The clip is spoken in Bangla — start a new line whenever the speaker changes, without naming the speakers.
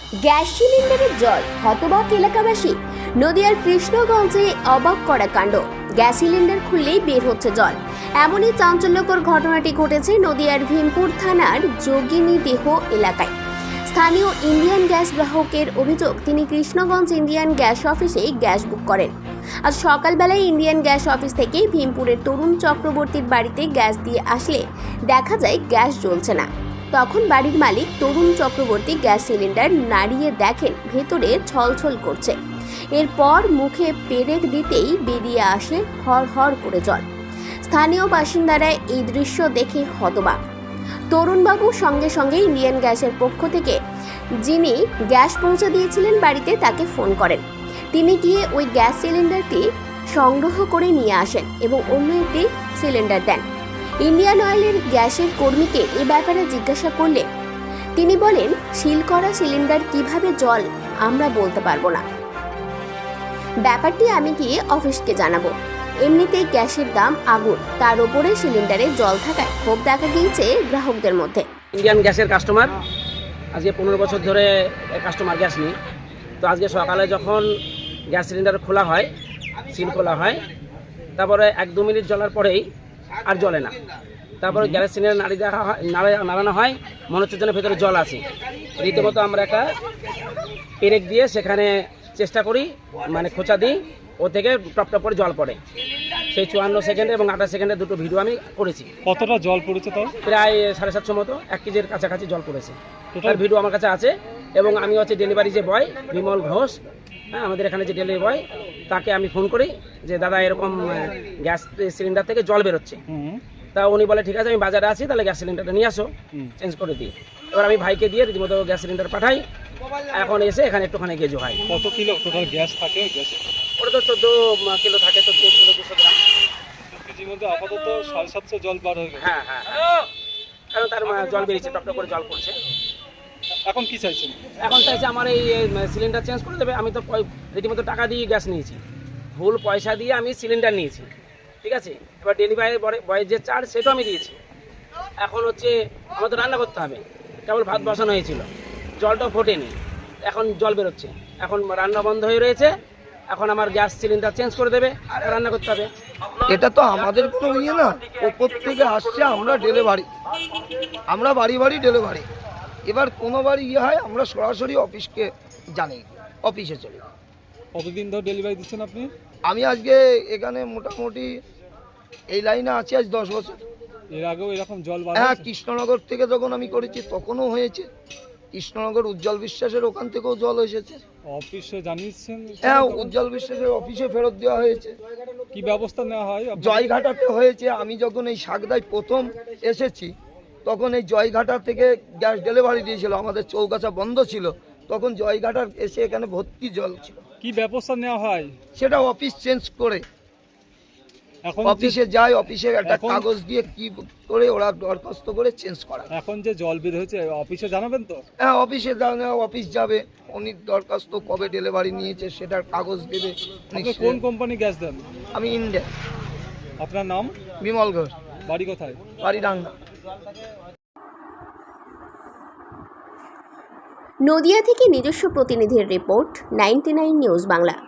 গ্যাস সিলিন্ডারের জল, হতবাক এলাকাবাসী। নদিয়ার কৃষ্ণগঞ্জে অবাক করা কাণ্ড, গ্যাস সিলিন্ডার খুললেই বের হচ্ছে জল। এমনই চাঞ্চল্যকর ঘটনাটি ঘটেছে নদিয়ার ভীমপুর থানার যোগিনীদেহ এলাকায়। স্থানীয় ইন্ডিয়ান গ্যাস গ্রাহকের অভিযোগ, তিনি কৃষ্ণগঞ্জ ইন্ডিয়ান গ্যাস অফিসে গ্যাস বুক করেন। আজ সকালবেলায় ইন্ডিয়ান গ্যাস অফিস থেকে ভীমপুরের তরুণ চক্রবর্তীর বাড়িতে গ্যাস দিয়ে আসলে দেখা যায় গ্যাস জ্বলছে না। তখন বাড়ির মালিক তরুণ চক্রবর্তী গ্যাস সিলিন্ডার নাড়িয়ে দেখেন ভেতরে ছলছল করছে। এরপর মুখে পেরেক দিতেই বেরিয়ে আসে হর করে জল। স্থানীয় বাসিন্দারা এই দৃশ্য দেখে হতবাক। তরুণবাবু সঙ্গে সঙ্গে ইন্ডিয়ান গ্যাসের পক্ষ থেকে যিনি গ্যাস পৌঁছে দিয়েছিলেন বাড়িতে তাকে ফোন করেন। তিনি গিয়ে ওই গ্যাস সিলিন্ডারটি সংগ্রহ করে নিয়ে আসেন এবং অন্য একটি সিলিন্ডার দেন। ইন্ডিয়ান অয়েলের গ্যাসের কর্মীকে এ ব্যাপারে জিজ্ঞাসা করলে তিনি বলেন, সিল করা সিলিন্ডার কিভাবে জল আমরা বলতে পারবো না, ব্যাপারটি আমি গিয়ে অফিসকে জানাবো। এমনিতেই গ্যাসের দাম আগুন, তার উপরে সিলিন্ডারে জল থাকায় ক্ষোভ দেখা গিয়েছে গ্রাহকদের মধ্যে।
ইন্ডিয়ান গ্যাসের কাস্টমার, আজকে 15 বছর ধরে কাস্টমার গ্যাস নিই। তো আজকে সকালে যখন গ্যাস সিলিন্ডার খোলা হয়, সিল খোলা হয়, তারপরে 1-2 মিনিট জ্বলার পরেই আর জ্বলে না। তারপরে গ্যাস সিলিন্ডার নাড়ানো হয়, মনে হচ্ছে যেন ভেতরে জল আছে। রীতিমতো আমরা একটা পেরেক দিয়ে সেখানে চেষ্টা করি, মানে খোঁচা দিই, ও থেকে টপ করে জল পড়ে। সেই 54 সেকেন্ডে এবং 28 সেকেন্ডে দুটো ভিডিও আমি করেছি।
কতটা জল পড়েছে তাও?
প্রায় 750 মতো, 1 কেজির কাছাকাছি জল পড়েছে। তার ভিডিও আমার কাছে আছে। এবং আমি হচ্ছে ডেলিভারি যে বয় বিমল ঘোষ, হ্যাঁ, আমাদের এখানে যে ডেলিভারি বয়, তাকে আমি ফোন করি যে দাদা এরকম গ্যাস সিলিন্ডার থেকে জল বেরোচ্ছে। তা উনি বলে ঠিক আছে, আমি বাজারে আছি, তাহলে গ্যাস সিলিন্ডারটা নিয়ে আসো, চেঞ্জ করে দিই। এবার আমি ভাইকে দিয়ে রীতিমতো গ্যাস সিলিন্ডার পাঠাই। এখন এসে এখানে একটুখানি গেজো হয়।
কত কিলো টোটাল গ্যাস থাকে? গ্যাস
ওটা তো 14 কিলো থাকে, 14 কিলো 200 গ্রাম।
2 কেজির মধ্যে আপাতত 750 জল বার হয়ে গেছে।
হ্যাঁ, কারণ তার জল বেরিয়েছে, টপ করে জল পড়ছে।
এখন কি চাইছেন?
এখন চাইছে আমার এই সিলিন্ডার চেঞ্জ করে দেবে। আমি তো রীতিমতো টাকা দিয়ে গ্যাস নিয়েছি, ভুল পয়সা দিয়ে আমি সিলিন্ডার নিয়েছি, ঠিক আছে। এবার ডেলিভারি বয়ের যে চার্জ সেটাও আমি দিয়েছি। এখন হচ্ছে আমার তো রান্না করতে হবে, কেবল ভাত বসানো হয়েছিল, জলটাও ফোটেনি, এখন জল বেরোচ্ছে। এখন রান্না বন্ধ হয়ে রয়েছে, এখন আমার গ্যাস সিলিন্ডার চেঞ্জ করে দেবে, রান্না করতে হবে।
এটা তো আমাদের কোনো ইয়ে না, ওপর থেকে আসছে, আমরা ডেলিভারি, আমরা বাড়ি ডেলিভারি। এবার কোনো বাড়ি ইয়ে হয়, আমরা সরাসরি অফিসকে জানি, অফিসে চলে।
কতদিন ধরে ডেলিভারি দিচ্ছেন আপনি?
আমি আজকে এখানে মোটামুটি এই লাইনে আছি আজ 10 বছর।
এর আগেও এরকম জল বার?
হ্যাঁ, কৃষ্ণনগর থেকে যখন আমি করেছি তখনও হয়েছে। কৃষ্ণনগর উজ্জ্বল বিশ্বাসের ওখান থেকেও জল এসেছে।
অফিসে জানিয়েছেন?
হ্যাঁ, উজ্জ্বল বিশ্বাসের অফিসে ফেরত দেওয়া হয়েছে।
কি ব্যবস্থা নেওয়া হয়?
জয়ঘাটাতে হয়েছে। আমি যখন এই সাগদায় প্রথম এসেছি তখন এই জয়ঘাটা থেকে গ্যাস ডেলিভারি দিয়েছিল, আমাদের চৌগাছা বন্ধ ছিল, তখন জয়ঘাটার এসে এখানে ভর্তি জল ছিল।
কি ব্যবস্থা নেওয়া হয়?
সেটা অফিস চেঞ্জ করে,
এখন
অফিসে যায়, অফিসে একটা কাগজ দিয়ে কি করে ওরা দরখাস্ত করে চেঞ্জ করা।
এখন যে জল বের হয়েছে অফিসে জানাবেন তো?
হ্যাঁ, অফিসে অফিস যাবে, উনি দরখাস্ত কবে ডেলিভারি নিয়েছে সেটার কাগজ দেবে।
আপনি কোন কোম্পানি গ্যাস দেন?
আমি ইন্ডিয়া।
আপনার নাম?
বিমল ঘোষ।
বাড়ি কোথায়?
বাড়ি ডাঙ্গা।
নদিয়া থেকে নিজস্ব প্রতিনিধির রিপোর্ট, 99 নিউজ বাংলা।